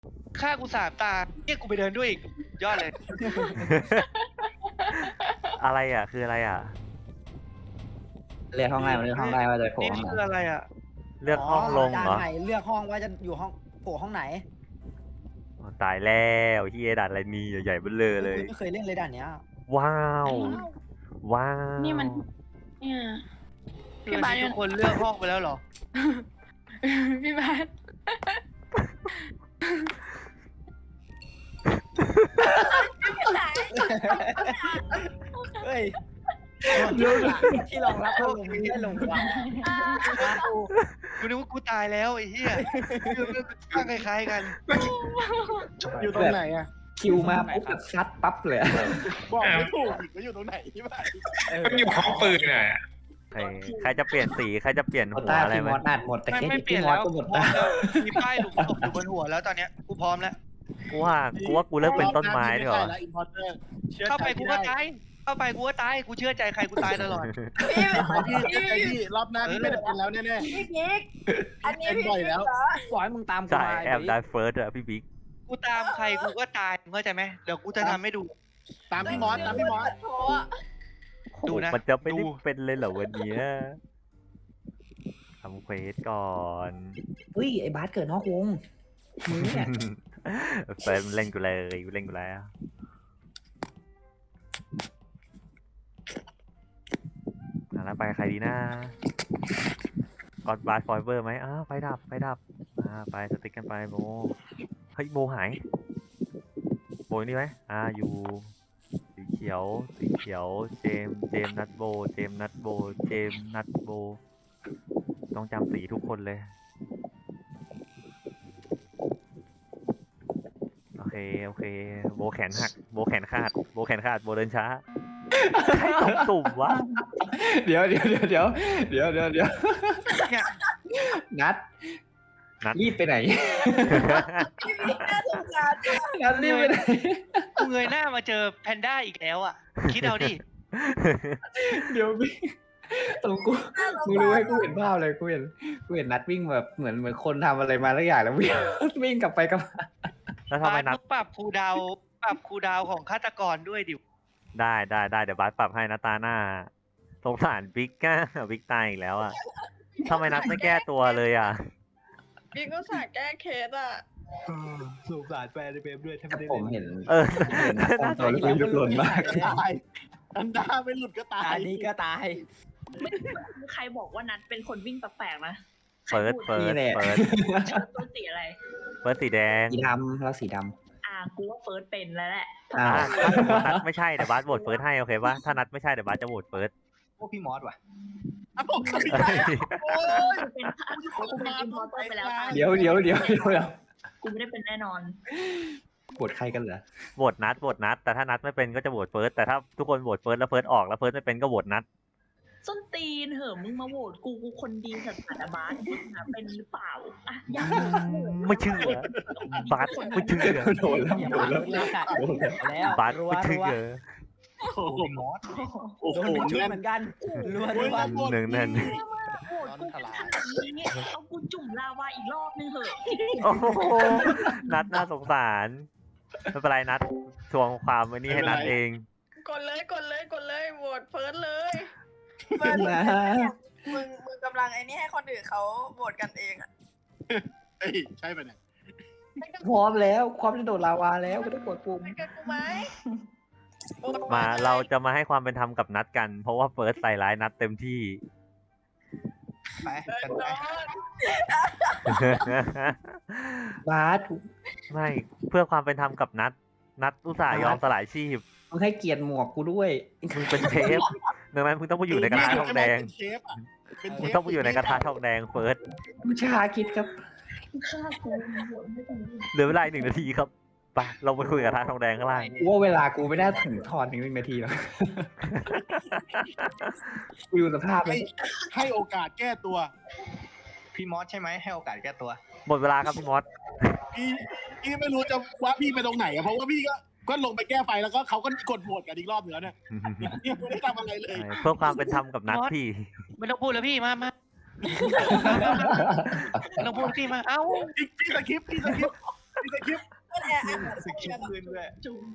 ฆ่ากู3 ตาเนี่ยกูไปเดินด้วยอีกยอดเลยอะไรอ่ะคืออะไรอ่ะเรียกห้องไล่มาเรียกห้องไล่ว่าจะโผล่นี่ห้องไหนคืออะไรอ่ะเลือกห้องลงเหรอด่านไหนเลือกห้องว่าจะอยู่ห้องโผล่ห้องไหนอ๋อตายแล้วเฮียดัดอะไรนี่ใหญ่ๆเบ้อเลยไม่เคยเล่นเลยด่านเนี้ยว้าว ว้าวนี่มัน เนี่ย พี่บาสทุกคนเลือกห้องไปแล้วเหรอพี่บาสเฮ้ยที่รองรับพัดลมไม่ลงวางกูนึกว่ากูตายแล้วไอ้เหี้ยข้างคล้ายๆกันอยู่ตรงไหนอ่ะคิวมาปุ๊บแบบซัดปั๊บเลยอะบอกไม่ถูกอีกว่าอยู่ตรงไหนที่บ้านมันอยู่ห้องปืนน่ะใครจะเปลี่ยนสีใครจะเปลี่ยนโคหัวต้าอะไรพี่ไหมมอสอัดหมดแต่ไม่แค่ไม่เปลี่พี่ยนมอแล้สวก็หมดพร้อตามแล้วมีป้ายหลุมศพอยู่บนหัวแล้วตอนเนี้ยกูพร้อมแล้วกูว่ากูเลิกเป็นต้นไม้ดีกว่าอินพอร์เตอร์เข้าไปกูก็ตายเข้าไปกูก็ตายกูเชื่อใจใครกูตายตลอดพี่รอบหน้าพี่ไม่ได้เป็นแล้วแน่พี่บิ๊กอันนี้เป็นพี่บ่อยบิ๊กแล้วเหรอปล่อยให้มึงตามกูใช่มาแอบได้เฟิร์สอะพี่บิ๊กกูตามใครกูก็ตายมึงเข้าใจไหมเดี๋ยวกูจะทำให้ดูๆตามพี่มอสตามพี่มอสโถ่อะดูนะมันจะไม่ได้ดูเป็นเลยเหรอวันเนี้ยทำเควสก่อนเฮ้ยไอ้บาสเกิดนอกวงมึงเนี่ยเฟิร์สเล่นกูเลยเล่นกูแล้วแล้วไปใครดีนะกอดบาร์ฟอยเวอร์ไหมไฟดับไปสติ๊กกันไปโบเฮ้ยโบหายโบอยู่นี่ไหมอยู่สีเขียวเจมส์นัทโบเจมส์นัทโบต้องจำสีทุกคนเลยโอเคโบแขนหักโบแขนขาดโบเดินช้าใครตกตุ่มวะเดี๋ยวนัดรีบไปไหนพี่บิ๊กน่าสงสารจังนัดรีบไปไหนกูเงยหน้ามาเจอแพนด้าอีกแล้วอ่ะคิดเอาดิเดี๋ยวพี่ตรงกูน่าสงมึงสารู้ไหมรกูเห็นภาพเลยกูเห็นนัดวิ่งแบบเหมือนคนทำอะไรมาแล้วอย่างแล้ววิ่งกลับไปกลับมาแล้วทำไมนัดปรับครูดาวของฆาตกรด้วยดิได้เดี๋ยวบาสปรับให้นะตาหน้าสงสารบิ๊กอะบิ๊กตายอีกแล้วอ่ะทำไมนัดไม่แก้ตัวเลยอ่ะบิ๊กก็สั่งแก้เคสอ่ะสงสารแฟนในเบมด้วยถ้าแต่ไม่ได้ผมเห็นเออเห็นนัดตัวลูกหล่นมากตายอันดาไม่หลุดก็ตายอันนี้ก็ตายใครบอกว่านัดเป็นคนวิ่งแปลกๆนะเปิดนี่แหละตัวสีอะไรเปิดสีแดงสีดำแล้วสีดกูว่าเฟิร์สเป็นแล้วแหละำอ้าวถ้าสมมตินัดไม่ใช่เดี๋ยวบาสโหวตเฟิร์สให้โอเคปะถ้านัดไม่ใช่เดี๋ยวบาสจะโหวตเฟิร์สพวกพี่มอสว่ะโอ้ยเป็นกูเป็นอินพอร์เตอร์ไปแล้วเดี๋ยวกูไม่ได้เป็นแน่นอนปวดใครกันเหรอโหวตนัดแต่ถ้านัดไม่เป็นก็จะโหวตเฟิร์สแต่ถ้าทุกคนโหวตเฟิร์สแล้วเฟิร์สออกแล้วเฟิร์สไม่เป็นก็โหวตนัดส้นตีนเหอะมึงมาโหวตกูคนดีสัตว์บาสเป็นหรือเปล่าอ่ะอยากไม่เชื่อบาสไม่เชื่อโดนแล้วแล้วบาสไม่เชื่อโอ้โหมอสโอ้โดโหนเป็นชุดแน่นเหมือนกันรัวหนึ่งนั่นโหวตกูเป็นขนาดนี้เอากูจุ่มลาวาอีกรอบนึงเหอะโอ้โหนัดน่าสงสารไม่เป็นไรนัดทวงความไว้นี่ให้นัดเองกดเลยโหวตเฟิร์สเลยนะมึงกำลังไอ้นี่ให้คนอื่นเขาโหวตกันเองอ่ะเฮ้ยใช่ปะเนี่ยพร้อมแล้วความจะโดดลาวาแล้วก็ต้องกดปุ่มไปกันกูไหมมาเราจะมาให้ความเป็นธรรมกับนัดกัน เพราะว่าเฟิร์สใส่ร้ายนัดเต็มที่ไปกันไปบาสไม่เพื่อความเป็นธรรมกับนัดอุตส่าห์ยอมสลายชีพมึงให้เกียรติหมวกกูด้วยมึงเป็นเชฟดังนั้นมึงต้องไปอยู่ในกระทะทองแดงเป็นเชฟอ่ะเป็นเชมึงฟต้องไปอยู่ในกระทะทองแดงเฟิร์สมึงชาคิดครับฆ่ากูโหวตไม่เป็นเหลือเวลาอีก1 นาทีครับไปเราไปคุยกับกระทะทองแดงข้างล่างกูว่าเวลากูไม่น่าถึงทอนถึง1 นาทีหรอกกูดูสภาพเลให้ยให้โอกาสแก้ตัวพี่มอสใช่ไหมให้โอกาสแก้ตัวหมดเวลาครับพี่มอสพี่ไม่รู้จะว่าพี่ไปตรงไหนอะเพราะว่าพี่ก็ลงไปแก้ไฟแล้วก็เขาก็กดโหวตกันอีกรอบเหนือเนี่ยยังไม่ได้ทำอะไรเลยเพื่อความเป็นธรรมกับนัดพี่ไม่ต้องพูดแล้วพี่มาไม่ต้องพูดพี่มาเอ้าพี่สคริปต์พี่สกิปก็แอร์อัดสกิปขึ้นด้วย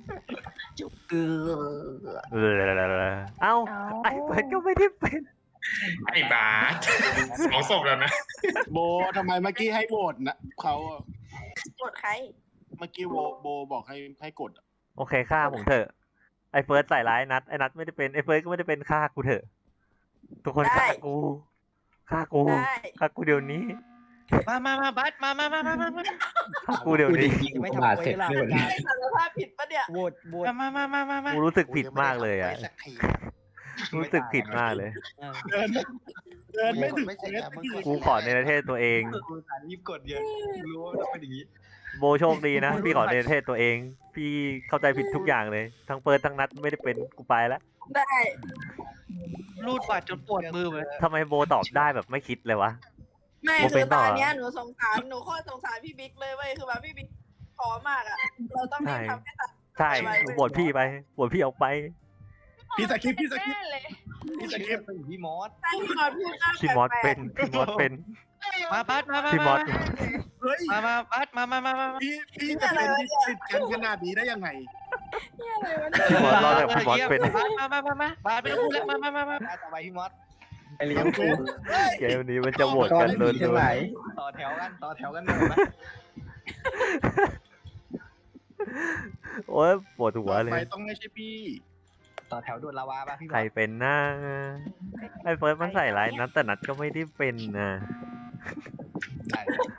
เอ้าไอ้เฟิร์สก็ไม่ได้เป็นไอ้บาสสองศพแล้วนะโบทำไมเมื่อกี้ให้โหวตนะเขากดใครเมื่อกี้โบบอกให้กดอะโอเคฆ่าผมเถอะไอ้เฟิร์สใส่ร้ายนัดไอ้นัดไม่ได้เป็นไอ้เฟิร์สก็ไม่ได้เป็นฆ่ากูเถอะทุกคนฆ่ากูฆ่ากูได้ฆ่ากูเดี๋ยวนี้มาบัสมาฆ่ากูเดี๋ยวนี้ไม่ทำเสร็จด้วยไม่สารภาพผิดปะเนี่ยโหวตโหวตมากูรู้สึกผิดมากเลยอ่ะรู้สึกผิดมากเลยเดินไม่ถึงไม่เมใช่ตรมึงทีกูขอในประเทศตัวเองกูสารรีบกดเยอะกูรู้ว่าต้องเป็นอย่างนี้โบโชคดีนะพี่ขอในประเทศตัวเอง พี่เข้าใจผิดทุกอย่างเลย ทั้งเฟิร์สทั้งนัดไม่ได้เป็นกูไปแล้วได้รูดบัตรจนปวดมือเลยทำไมโบตอบได้แบบไม่คิดเลยวะไม่โมคืเป็อน ตต่ออนเนี้ยหนูสงสารหนูโคตรสงสารพี่บิ๊กเลยเว้ยคือแบบพี่บิ๊กขอมากอ่ะเราต้องรีบทำให้ตัดใช่บวชพี่ไปบวชพี่ออกไปพี่สกิปแน่เลยพี่สกิปเป็นพี่มอสถ้าพี่มอสพูดหน้าพี่มอสแปลเป็กนพี่มอสเป็นมาบัสมาพี่มอสเฮ้ยมาบัสมาพี่จะเป็นติดกันขนาดนี้ได้ยังไงๆเนี่ยอะไรวะพี่มอสรอดจากพี่มอสเป็นมาบัสไม่ต้องพูดแล้วมาต่อไปพี่มอสไอเลี้ยงกูเกมนี้มันจะโหวตก้อกัน นเลเลย ยทั้งหลายต่อแถวกันหนูนะโอ้ยปวดหัวเลไปยต้องไม่ใช่พี่ต่อแถวโดนลาวาป่ะพี่มใครอสเป็นนะไอ้เฟิร์สมันใส่ร้ายนัดแต่นัดก็ไม่ได้เป็นนะใช่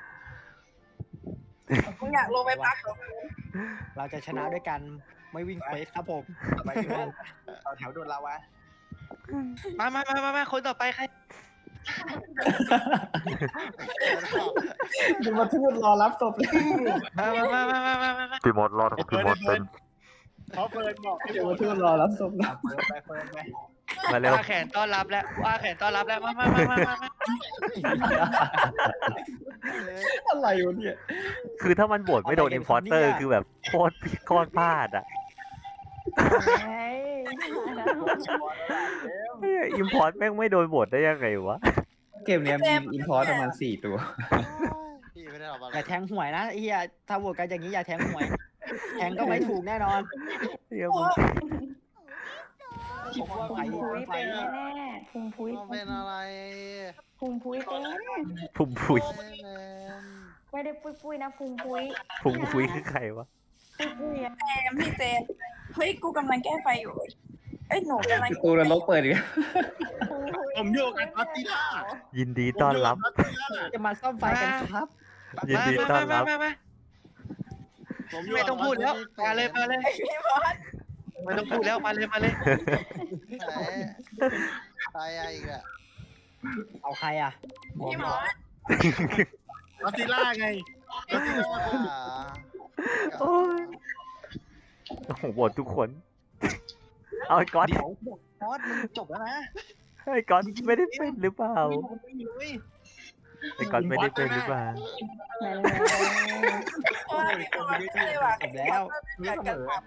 มึงอยากลงไปพักเหรอเราจะชนะด้วยกันไม่วิ่งเควสครับผมต่อไปพี่มอสต่อแถวโดนลาวามาคนต่อไปใครจะมาทูดรอรับศพเลยมาพี่มอสรอดกับพี่มอสเป็นเพราะเฟิร์นบอกให้จะโหวมาตทูดรอรับศพนะเฟิร์นไปเฟิร์นไปมาเร็วอาแขนต้อนรับแล้วอาแขนต้อนรับแล้วมาอะไรวะเนี่ยคือถ้ามันโหวตไม่โดนอินพอร์เตอร์คือแบบโคตรพลาดอ่ะอินพอร์ตแม่งไม่โดนโหวตได้ยังไงวะเกมเนี้ยมีอินพอร์ตประมาณ4 ตัวอย่าแทงหวยนะไอ้เหี้ยถ้าโหวตกันอย่างนี้อย่าแทงหวย แทงก็ไม่ถูกแน่นอนเหี้ยมึงผมว่าไปพุ้ยไปเป็นแน่พุงพุ้ยเป็นอะไรพุงพุ้ยเป็นพุ่มพุยไม่ได้ปุ้ยปุ้ยนะพุงพุ้ยพุ่มพุยคือใครวะปุ้ยปุ้ยอะพี่เจมเฮ้ยกูกำลังแก้ไฟอยู่เอ้ยหนูกำลังประตูนรกเปิดอีกแล้วพุงพุ้ยผมอยู่กับออสติล่ายินดีต้อนรับจะมาซ่อมไฟกันครับยินดีต้อนรับไม่ต้องพูดแล้วมาเลยไอ้พี่มอสไม่ต้องพูดแล้วมาเลยเอาใครอ่ะพี่มอสออสติล่าไงออสติล่าโอ้ยโอ้โหโหวตทุกคน เอาไอ้ก๊อตเดี๋ยวมอสมึงจบแล้วนะไอ้ก๊อตไม่ได้เป็นหรือเปล่าไม่มีเลยไอ้ก๊อตไม่ได้เป็นหรือเปล่านั่นเลยโอ้ยพี่มอสใช่ว่ะจบแล้วเกิดกันครับ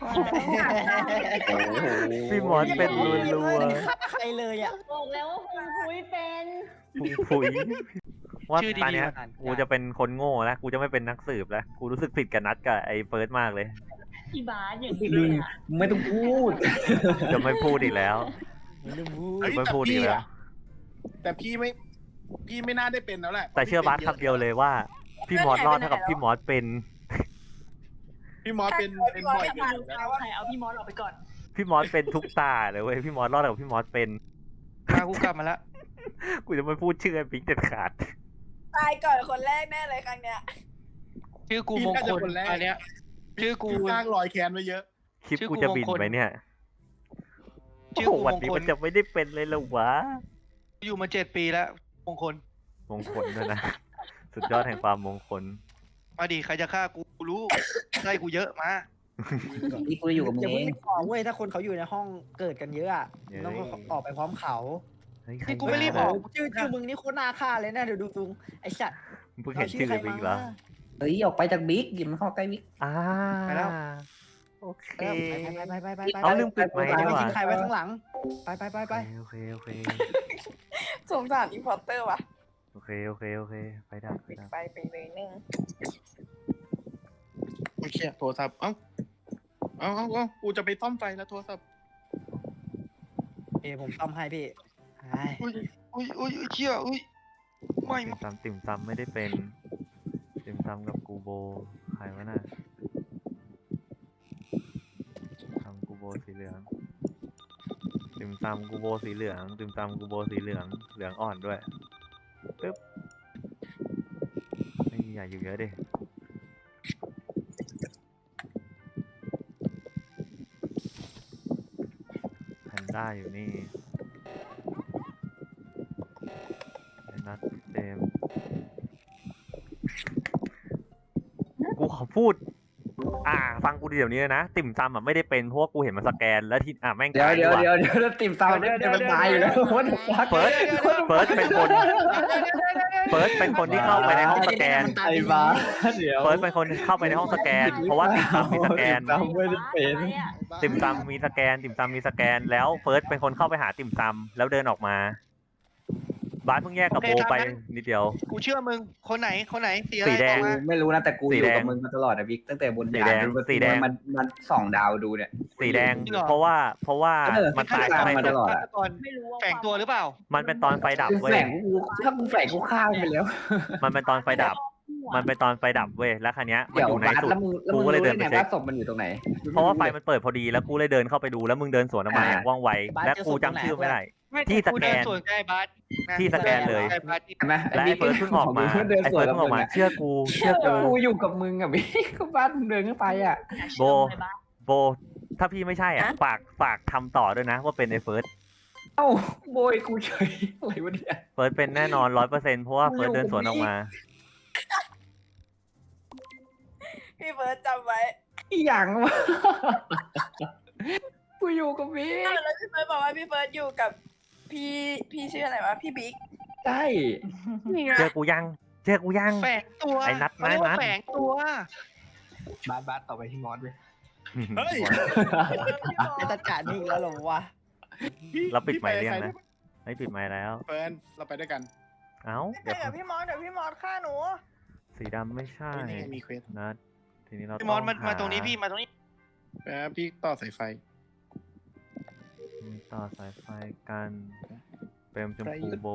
พี่มอสเป็นรัวฆ่าใครเลยอ่ะบอกแล้วว่าพุงพุ้ยเป็นๆพุ่มพุยว่าชื่อดีตอนเนี้ยๆกูจะเป็นคนโง่แล้ว กูจะไม่เป็นนักสืบแล้ว กูรู้สึกผิดกับนัดกับไอ้เฟิร์สมากเลยพี่บาสอย่างนี้เลยอะไม่ต้องพูดจะไม่พูดอีกแล้วเฮ้ยไม่พูดอีกแล้วแต่พี่ไม่น่าได้เป็นแล้วแหละแต่เชื่อบัสคำเดียวเลยว่า พี่มอสรอดเท่ากับพี่มอสเป็นพี่มอสเป็นบ่อยกันอยู่แล้วเอาใครเอาพี่มอสออกไปก่อนพี่มอสเป็นทุกตาเลยเว้ย พี่มอสรอดเท่ากับพี่มอสเป็นมากูกลับมาแล้วกูจะไม่พูดชื่อไอ้ปิ๊กเด็ดขาดตายก่อนคนแรกแน่เลยครั้งเนี้ยชื่อกูมงคลอันเนี้ยชื่อกูพี่สร้างรอยแค้นไว้เยอะคลิปชื่อกูกูจะมงคลบินไปเนี่ยชื่อโอ้กูโหวันมงนี้คลมันจะไม่ได้เป็นเลยเหรอวะอยู่มา7 ปีแล้วมงคลมงคลด้วยนะ สุดยอดแห่งความมงคลมาดิใครจะฆ่ากูรู้ไล่กูเยอะมาพี่กูอยู่กับมึงอย่าเอเพิ่งงไปขอเว้ยถ้าคนเขาอยู่ในห้องเกิดกันเยอะอะเย้ต้องออกไปพร้อมเขาเฮ้ยใคนี่กูไม่รีบออกชื่อมึงนี่โคตรน่าฆ่าเลยนะเดี๋ยวดูตุงไอ้สัตว์มึงเพิ่งเห็นชื่อไอ้ปิ๊กเหรอเฮ้ยออกไปจากบิ๊กอย่ามาเข้าใกล้บิ๊กอ่าไปแล้วโอเคไปเอาลืมปิดไมค์ดีกว่าทิ้งใครไว้ข้างหลัง ไปโอเคสงสารอินพอร์เตอร์ว่ะโอเค ไปดับปิดไฟไปเลยนึงเชี่ยโทรศัพท์เอ้ากูจะไปซ่อมไฟแล้วโทรศัพท์ผมซ่อมให้พี่ไอ้อุ้ยเชี่ยอุ้ยไม่ติ่มซำไม่ได้เป็นติ่มซำกับกูโบใครวะน่ะซำกูโบสีเหลืองติ่มซำกูโบสีเหลืองติ่มซำกูโบสีเหลืองเหลืองอ่อนด้วยปึ๊บไม่อย่าอยู่เยอะดิแพนด้าอยู่นี่ไอ้นัทเจมส์กูขอพูด ฟังกูเดี๋ยวนี้นะ ติ่มซำไม่ได้เป็นเพราะว่ากูเห็นมันสแกนแล้วที่แม่งเดี๋ยวตายเดี๋ยวว่ะเดี๋ยวติ่มซำเนี่ยมันตายอยู่แล้ววันพักเฟิร์สเป็นคนเฟิร์สเป็นคนที่เข้าไปในห้องสแกนไอ้บ้าเดี๋ยวเฟิร์สเป็นคนเข้าไปในห้องสแกน เพราะว่าติ่มซำมีสแกนติ่มซำไม่ได้เป็นติ่มซำมีสแกน ติ่มซำมีสแกน แล้วเฟิร์สเป็นคนเข้าไปหาติ่มซำแล้วเดินออกมา บาสเพิ่งแยกกับโบไปนิดเดียวกูเชื่อมึงคนไหนสีอะไรสีแดงบอกมาไม่รู้นะแต่กูสีอยู่แดงกับมึงมาตลอดนะบิ๊กตั้งแต่บนสียาแดนงจนสีแดงมันส่องดาวดูเนี่ยสีแดง เพราะว่ามันตายฆาตกรรมไม่มาตลอดอะตอนไม่รู้ว่าแฝงตัวหรือเปล่ามันเป็นตอนไฟดับกูเว้ยแฝงกูถ้ากูแฝงกูฆ่ามันไปแล้วมันเป็นตอนไฟดับ มันเป็นตอนไฟดับเว้ย แล้วคันนี้ยมันเดี๋ยวอยู่ในบาสสุดแล้วมึงกูก็เลยเดินไปรู้เช็คว่าศพมันอยู่ตรงไหนเพราะว่าไฟมันเปิดพอดีแล้วกูเลยเดินเข้าไปดูแล้วมึงเดินสวนออกมาอย่างว่องไว และกูจำชื่อไม่ได้ ที่สแกนส่วนใกล้บัสที่สแกนเลยใกล้บัสเห็นไหมและไอ้เฟิร์สเพิ่งออกมาเดินไอ้สวเฟินร์สกับเพิ่งอมึอง กมาอะเชื่อกูกูอยู่กับมึงอะบิ๊กก็บ้านมึงเดินเข้าไปอะโบ ถ้าพี่ไม่ใช่ฝากทำต่อด้วยนะ ว่าเป็นไอ้เฟิร์สเอ้าโบยกูเฉยอะไรวะเนี่ยเฟิร์สเป็นแน่นอน100%เพราะว่าเฟิร์สเดินสวนออกมาพี่เบิร์ดจำไว้อีหยังวะกูอยู่กับบิ๊กแล้วพี่เบิร์ดบอกว่าพี่เบิร์ดอยู่กับพี่ชื่ออะไรวะพี่บิ๊กใช่เจอกูยังแฝงตัวไอ้นัทเขาเรียกว่านัทแฝงตัวบาสต่อไปที่มอสเลยเฮ้ยไอ้ตะกานี่อีกแล้วเหรอวะเราปิดไมค์เรียงนะ ไม่ปิดไมค์แล้วเฟิร์นเราไปด้วยกันเอ้าไม่เดี๋ยวใช่กับพี่มอสเดี๋ยวพี่มอสฆ่าหนูสีดำไม่ใช่นี่ไงมีเควสนัดทีนี้เราพี่ต้มออง สมาหาตรงนี้พี่มาตรงนี้แป๊บพี่ต่อสายไฟต่อสายไฟกันเปรมชมพูโบ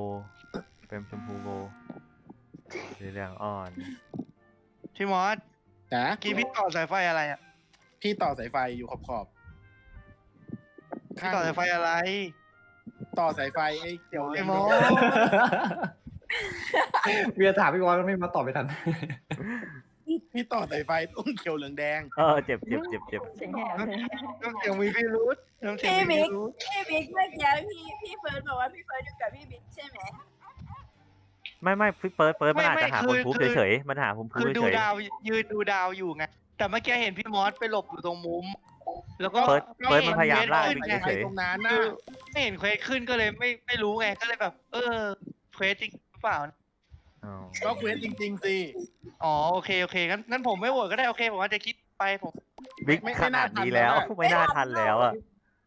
สีเหลืองอ่อนพี่มอสนะกี้พี่ต่อสายไฟอะไรอ่ะพี่ต่อสายไฟอยู่ขอบพี่ต่อสายไฟอะไรต่อสายไฟไอ้เกี่ยวไอ้มอสเวียถามพี่บอลไม่มาตอบไปทันพี่ต่อสายไฟต้องเขียวเหลืองแดงเจ็บเสียงแหบเลยน้ำเสียงมีพี่รุธน้ำเสียงพี่มีบิ๊พี่กรุธพี่บิ๊กเมื่อกี้พี่เฟิร์สบอกว่าพี่เฟิร์สอยู่กับพี่บิ๊กใช่ไหมไม่เปิดมันอาจจะหาคนพูดเฉยๆมันหาคนพูดคือดูเฉยดาวยืนดูดาวอยู่ไงแต่เมื่อกี้เห็นพี่มอสไปหลบอยู่ตรงมุม แล้วก็เฟิร์สมันพยายามล่าขึ้นวิ่งไงเฉยตรงนั้นน่ะคือไม่เห็นเควสขึ้นก็เลยไม่รู้ไงก็เลยแบบ เควสจริงหรือเปล่าอ๋อก็เควสจริงๆสิอ๋อโอเคงั้นผมไม่โหวตก็ได้โอเคผมอาจจะคิดไปผมบิ๊กขนาดนี้แล้วไม่น่าทันแล้วอ่ะ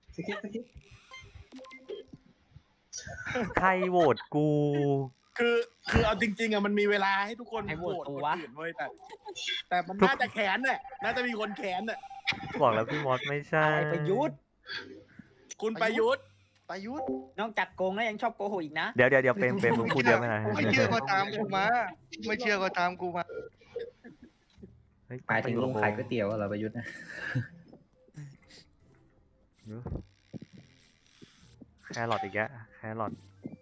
ใครโหวตกูคือเอาจริงๆอะมันมีเวลาให้ทุกคนให้โหวตคนวะอื่นเว้ยแต่มันน่าจะแขนเนี่ยน่าจะมีคนแขนเนี่ยบอกแล้วพี่มอสไม่ใช่ไอ้ประยุทธ์คุณประยุทธ์นอกจากโกงแล้วยังชอบโกหกอีกนะเดี๋ยวเปรมมึงพูดเยอะไหมนะไม่เชื่อก็ตามกูมาไม่เชื่อก็ตามกูมาเฮ้ยหมายถึงลุงขายก๋วยเตี๋ยวเหรอประยุทธ์นะแครอทอีกแล้วแครอท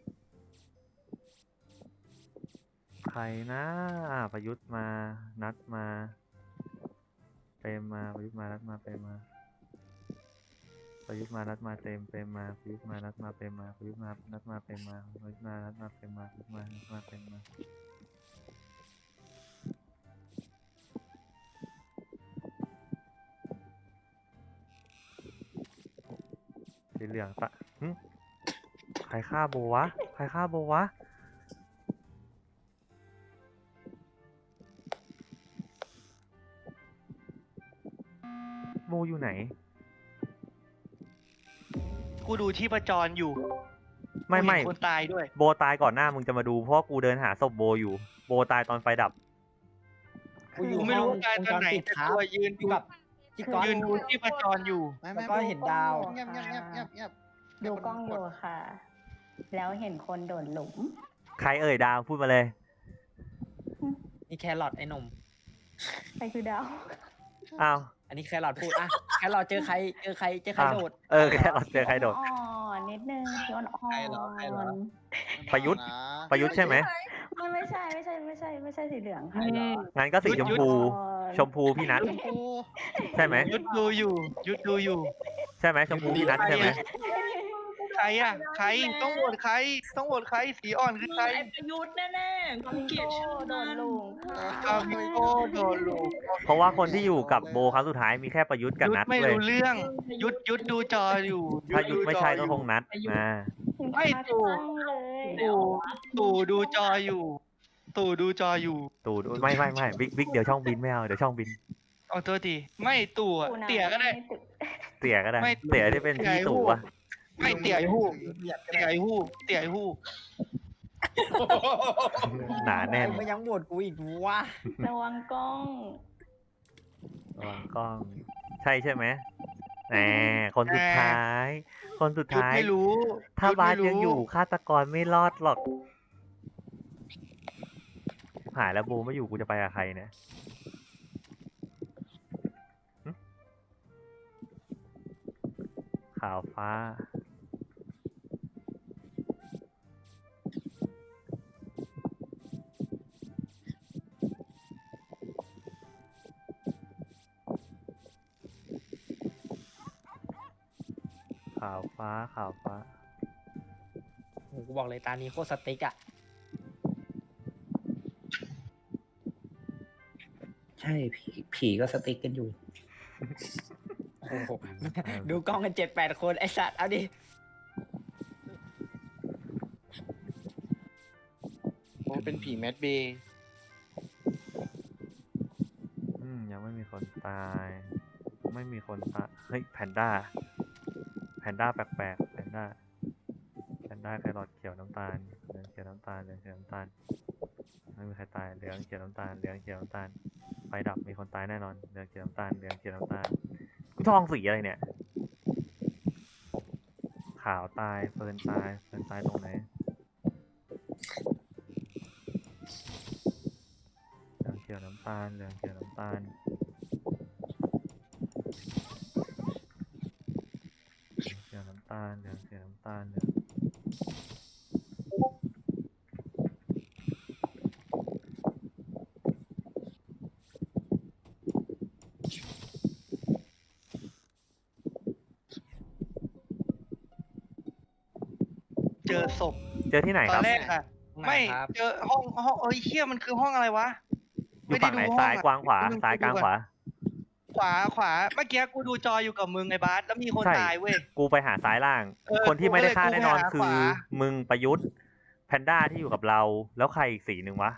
ใครนะประยุทธ์มานัดมาเปรมมาประยุทธ์มานัดมาเปรมมาประยุทธ์มานัดมาเปรมมาประยุทธ์มานัดมาเปรมมาประยุทธ์มานัดมาเปรมมาประยุทธ์มานัดมาเปรมมาประยุทธ์มานัดมาเปรมมาสีเหลืองใครฆ่าโบวะโบอยู่ไหนกูดูที่ประจรอยู่ไม่กูเห็นคนตายด้วยโบตายก่อนหน้ามึงจะมาดูเพราะกูเดินหาศพโบอยู่ โบตายตอนไฟดับกูอยู่กูไม่รู้ว่าตายตอนไหนปิดแต่ครับตัวยืนอยู่กับพี่ก๊อตยืนดูที่ประจรอยู่แล้วก็เห็นดาวเงียบดูกล้องอยู่ค่ะ แล้วเห็นคนโดดหลุมใครเอ่ยดาวพูดมาเลยนี่แครอทไอ้หนุ่มใครคือดาวอ้าวอันนี้แครอทพูดอ่ะแครอทเจอใครโดดแค่เราเจอใครโดดอ่อนนิดนึงอ่อนอ่อใครเหรอใครเหรอนประยุทธ์ ประยุทธ์ใช่ไหมไม่ใช่สีเหลืองค่ะงั้นก็สีชมพูอ่อนชมพูพี่นัทใช่ไหมยุดดูอยู่ ยุดดูอยู่ใช่ไหมชมพูพี่นัทใช่ไหมใครอ่ะ ใครต้องโหวตใคร ต้องโหวตใครสีอ่อนคือใครไอ้ประยุทธ์แน่ๆกูเกลียดชื่อโดมัน นหลุมค่ะอาวิโก้โดนลูกเพราะว่าคนที่อยู่กับโบครั้งสุดท้ายมีแค่ประยุทธ์กับยุดนัทไม่เลยรู้เรื่อง ยุดดูจออยู่ถ้ายุทธไม่ใช่ก็คงนัดอ่าไม่ตู่เลยตู่ดูจออยู่ ตู่ดูจออยู่ตูดไม่บิ๊กเดี๋ยวช่องบินไม่เอาเดี๋ยวช่องบินเอาตัวทีไม่ตู่อะเตี่ยก็ได้เตี่ยก็ได้ไม่เตี่ยที่เป็นพี่ตู่อะไม่เตี่ยไอ้หู้เตี่ยไอ้หู้เตี่ยไอ้หู้หนาแน่นไม่ยังโหวตกูอีกวะระวังกล้องระวังกล้อง ใช่ไหมแหมคนสุดท้าย คนสุดยุดท้ายไม่รู้ถ้ายุทธบาสไม่รู้ยังอยู่ฆาตกรไม่รอดหรอกหายแล้วโบไม่อยู่กูจะไปกับใครเนี่ยหึขาวฟ้า ขาวฟ้าโอ้กูบอกเลยตานี้โคตรสติ๊กอ่ะใช่ผีก็สติ๊กกันอยู่โอ้โหดูกล้องกัน7-8 คนไอสัตว์เอาดิโอ้เป็นผีแมดเบย์ยังไม่มีคนตาย ไม่มีคนตายเฮ้ยแพนด้าแปลกๆแพนด้าแครอทเขียวน้ำตาลเหลืองเขียวน้ำตาลไม่มีใครตายเหลืองเขียวน้ำตาลไฟดับมีคนตายแน่นอนเหลืองเขียวน้ำตาลกูท่องสีอะไรเนี่ยขาวตายเฟิร์นตายตรงไหนเหลืองเขียวน้ำตาลเหลืองเขียวน้ำตาลเจอศพเจอที่ไหนตคอรับนแรกอะไม่เจอห้องเอ้ยเชี่ยมันคือห้องอะไรวะอยู่ฝั่งไหนซ้ายกว้างขวาซ้ายกลางขวาขวาเมื่อกี้กูดูจออยู่กับมึงไอ้บาสแล้วมีคนใช่ตายเว้ยกูไปหาซ้ายล่างเออคนที่ไม่ได้ฆ่ากูก็เลยแน่นอนกูไปหาคือขวามึงประยุทธ์แพนด้าที่อยู่กับเรา แล้วใครอีกสีหนึ่งวะ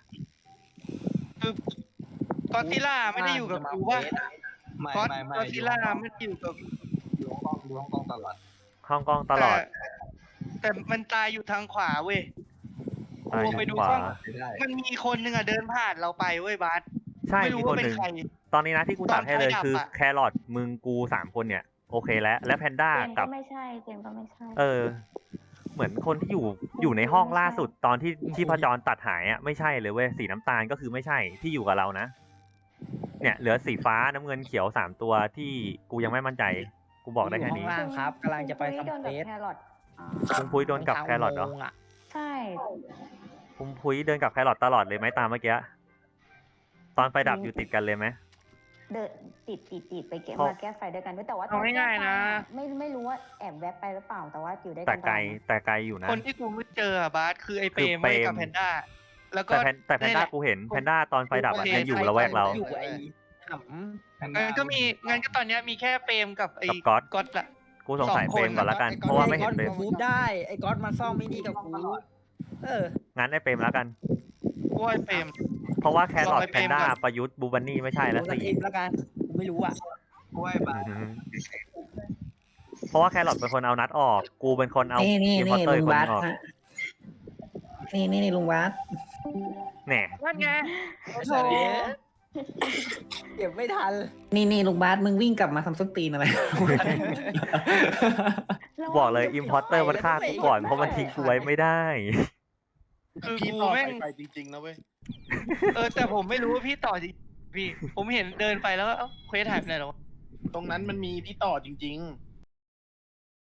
กอดซิลล่าไม่ได้อยู่กับกูว่าไม่กอดไม่กอดซิลล่าไม่ได้อยู่กับดูห้องกล้องตลอดห้องกล้องตลอดแต่มันตายอยู่ทางขวาเว้ยตายกูอไปยู่ดูขวากล้องไม่ได้มันมีคนหนึ่งอะเดินผ่านเราไปเว้ยบาสใช่ไม่มีรู้คนว่าเป็หนนึ่งใครตอนนี้นะที่กูตัดให้เลยตอนไฟดับคืออะแครอทมึงกู3 คนเนี่ย โอเคแล้ว และแพนด้าเจมส์กัก็บไม่ใช่เจมส์ก็ไม่ใช่เหมือนคนที่อยู่ในห้องล่าสุดตอนที่ชีพจรตัดหายอ่ะไม่ใช่เลยเว้ยสีน้ำตาลก็คือไม่ใช่ที่อยู่กับเรานะ เนี่ยเหลือสีฟ้าน้ำเงินเขียว3 ตัวที่กูยังไม่มั่นใจ กูบอกได้แค่นี้อยู่ห้องล่างครับกำลังจะไปคุณทำพุ้ยเฟโดนกับสแครอทอ่าคุณพุ้ยโดนกับแครอทเหรอทางอุโมงค์ะใช่คุณพุ้ยเดินกับแครอทตลอดเลยไหมตามเมื่อกี้ตอนไฟดับอยู่ติดกันเลยไหมเดินติดไปเก็บเพราะมาแก้ไฟด้วยกันด้วยแต่ว่าเอาง่ายๆนะไม่รู้ว่าแอบแวบไปหรือเปล่าแต่ว่าอยู่ด้วยกัแต่นไกลตอนนั้นแต่ไกลอยู่นะคนที่กูไม่เจออะบาสคือไอ้เปรมคือเปรมไว้กับแพนด้า แล้วก็แต่แพนด้ากูเห็นแพนด้าตอนไฟดับอะโอเคยังอยู่ละแวกเราอยู่ไอ้หำงั้นก็มีงั้นก็ตอนเนี้ยมีแค่เปรมกับไอ้กับก๊อตก๊อตละกูสงสัย 2 เฟรมก่อนละกัน เพราะว่าไม่เห็นเฟรมกูได้ไอ้ก๊อตมาซ่อมไม่นี่กับกูเอองั้นไอ้เฟรมแล้วกันกูว่าไอ้เปรมเพราะว่าแครอทลองไปแพนด้าเฟรมก่อนประยุทธ์บูบันนี่ไม่ใช่แล้วกูสี่ทิปแล้วกันกูไม่รู้อ่ะกล้วยบาเพราะว่าแครอทเป็นคนเอานัดออก กูเป็นคนเอานี่อิมพอร์เตอร์ลุงคนบาสออกนี่ลุงบาสแหน่นั่นไงโอ้โหเก็บไม่ทันนี่ลุงบาสมึงวิ่งกลับมาทำส้นตีนอะไรบอกเลยอิมพอร์เตอร์มันฆ่ากูก่อนเพราะมันทิ้งกูไว้ไม่ได้คือพี่กูต่อแม่งไปจริงๆนะเว้ยแต่ผมไม่รู้ว่าพี่ต่อจริงพี่ ผมเห็นเดินไปแล้วก็เอ้าเควสหายไปไหนหรอตรงนั้นมันมีพี่ต่อจริง ๆ